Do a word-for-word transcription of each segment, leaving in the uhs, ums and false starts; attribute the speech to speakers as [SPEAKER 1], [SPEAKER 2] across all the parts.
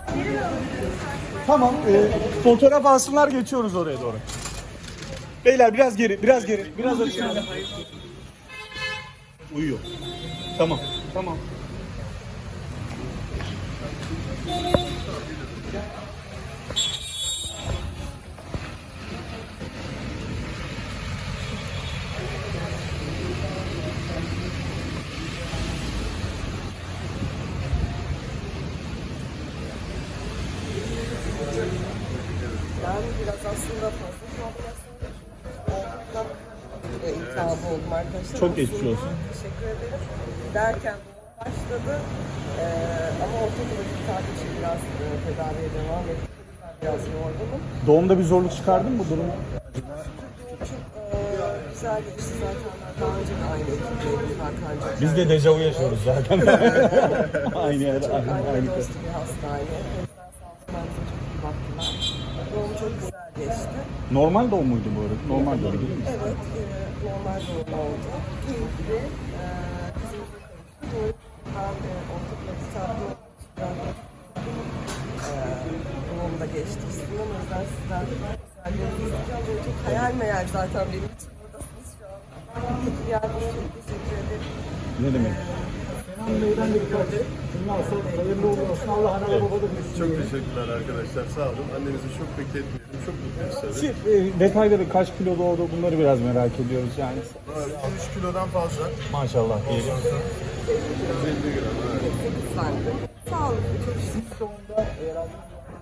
[SPEAKER 1] Tamam. E, fotoğraf alsınlar, geçiyoruz oraya doğru. Beyler biraz geri, biraz geri, biraz aşağı. Uyuyor. Tamam, tamam.
[SPEAKER 2] Yani biraz aslında fazla e, iltihabı oldum arkadaşlar.
[SPEAKER 1] Çok geçmiş
[SPEAKER 2] Aslında
[SPEAKER 1] olsun.
[SPEAKER 2] Teşekkür ederim. Derken başladı ee, ama ortaokula iltihabı için biraz e, tedaviye devam ettim. Biraz yorgunum.
[SPEAKER 1] Doğumda bir zorluk çıkardın mı bu durum?
[SPEAKER 2] Çok e, güzel geçti zaten. Daha önce de aynı ekipteydik Hakan'cığım.
[SPEAKER 1] Biz de dejavu yaşıyoruz zaten. aynı yer,
[SPEAKER 2] Çok
[SPEAKER 1] aynı,
[SPEAKER 2] anne
[SPEAKER 1] aynı
[SPEAKER 2] dostu bir hastane. Hepsinden sağ olsun bize çok iyi baktılar. Doğum çok güzel geçti.
[SPEAKER 1] Normal doğum muydu bu arada? Normal doğum değil mi?
[SPEAKER 2] Evet, e, normal doğum oldu. Keyifli. E, kızımıza kavuştu. Doğum ben e, ortaokula kitaplı e, doğumda geçti. Sizden o yüzden sizden güzellerinizi isteyeceğim. Böyle çok hayal meyal zaten benim için buradasınız şu an. İyi geldiniz. Çok teşekkür ederim.
[SPEAKER 1] Ne demek?
[SPEAKER 3] Bey'den de birkaç cümle alsak hayırlı uğurlu olsun. Allah ana ve baba da büyüsün.
[SPEAKER 4] Çok teşekkürler arkadaşlar. Sağ olun. Annenizi çok bekletmeyelim. Çok mutluyuz tabii.
[SPEAKER 1] Siz, e, detayları kaç kilo doğdu bunları biraz merak ediyoruz yani.
[SPEAKER 4] iki üç kilodan fazla.
[SPEAKER 1] Maşallah diyelim.
[SPEAKER 4] yüz elli gram. Evet.
[SPEAKER 2] sekiz santim. Sağlıklı çok şükür.
[SPEAKER 3] Sonunda herhalde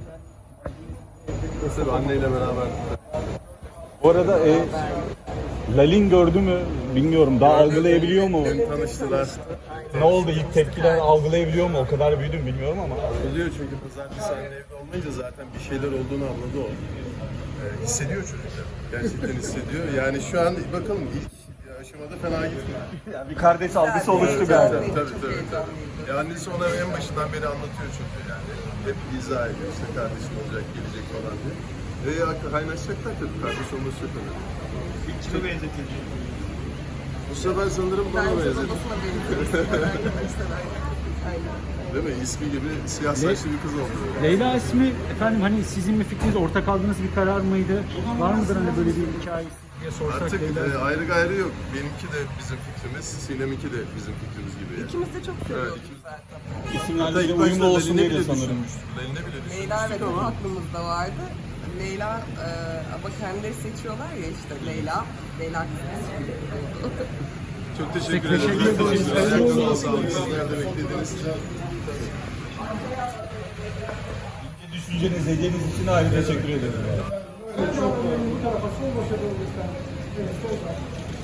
[SPEAKER 4] Tabii anneyle beraber.
[SPEAKER 1] Bu arada e, Lalin gördü mü bilmiyorum. Daha algılayabiliyor mu?
[SPEAKER 4] Beni tanıştılar.
[SPEAKER 1] Ne oldu ilk tepkiler, algılayabiliyor mu? O kadar büyüdüm bilmiyorum ama.
[SPEAKER 4] Oluyor çünkü pazartesi anne evde olmayınca zaten bir şeyler olduğunu anladı o. Ee, hissediyor çocuklar. Gerçekten hissediyor. Yani şu an bakalım ilk aşamada fena gitmiyor.
[SPEAKER 1] Yani bir kardeş algısı oluştu
[SPEAKER 4] Evet,
[SPEAKER 1] galiba.
[SPEAKER 4] Tabii tabii tabii. tabii. Ya annesi ona en başından beri anlatıyor çünkü yani. Hep izah ediyor işte kardeşin olacak, gelecek falan diye. Ve ya kaynaşacaklar tabii. Kardeş olması çok önemli.
[SPEAKER 1] İlk kilo benzetildi.
[SPEAKER 4] Bu sefer sanırım bana
[SPEAKER 2] Bence
[SPEAKER 4] benzedim.
[SPEAKER 2] babasına benziyor. Arkadaşlar aynen.
[SPEAKER 4] Değil mi? İsmi gibi siyah saçlı bir kız oldu.
[SPEAKER 3] Leyla ismi efendim hani sizin mi fikriniz, ortak aldığınız bir karar mıydı? Var mıdır hani böyle bir hikayesi diye sorsak
[SPEAKER 4] Artık
[SPEAKER 3] Leyla?
[SPEAKER 4] e, ayrı gayrı yok. Benimki de bizim fikrimiz, Sinem'inki de bizim fikrimiz gibi yani.
[SPEAKER 2] İkimiz de çok seviyoruz
[SPEAKER 4] ikimiz-
[SPEAKER 2] zaten.
[SPEAKER 4] Hatta
[SPEAKER 1] İsimlerle
[SPEAKER 4] ilk
[SPEAKER 1] de
[SPEAKER 4] başta
[SPEAKER 1] uyumlu olsun
[SPEAKER 4] Lalin'e
[SPEAKER 1] diye de
[SPEAKER 4] bile
[SPEAKER 1] sanırım.
[SPEAKER 4] düşünmüştük. Lalin'e bile düşünmüştük
[SPEAKER 2] Leyla ve
[SPEAKER 4] ama
[SPEAKER 2] Tom aklımızda vardı. Leyla e, ama kendileri seçiyorlar ya işte Leyla. Leyla kızımız oldu.
[SPEAKER 4] çok teşekkür
[SPEAKER 3] Teşekkür
[SPEAKER 4] ederim.
[SPEAKER 3] ederiz.
[SPEAKER 4] Ayaklarınıza sağlık. Sizler de beklediğiniz için.
[SPEAKER 1] Düşünceniz, hediyeniz için ayrı teşekkür ederim.
[SPEAKER 3] Bu tarafa sol başa doğru lütfen. Evet, soldan.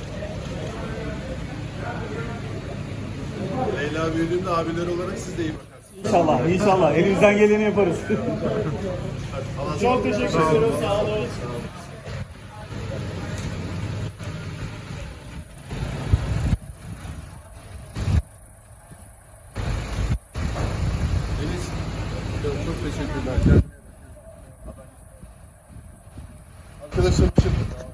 [SPEAKER 4] Leyla büyüdüğünde abiler olarak siz de iyi bakarsınız.
[SPEAKER 1] İnşallah, inşallah. Elimizden geleni yaparız.
[SPEAKER 4] Çok teşekkür ederim. Sağ olun. Deniz, çok, çok teşekkürler. Arkadaşlarım için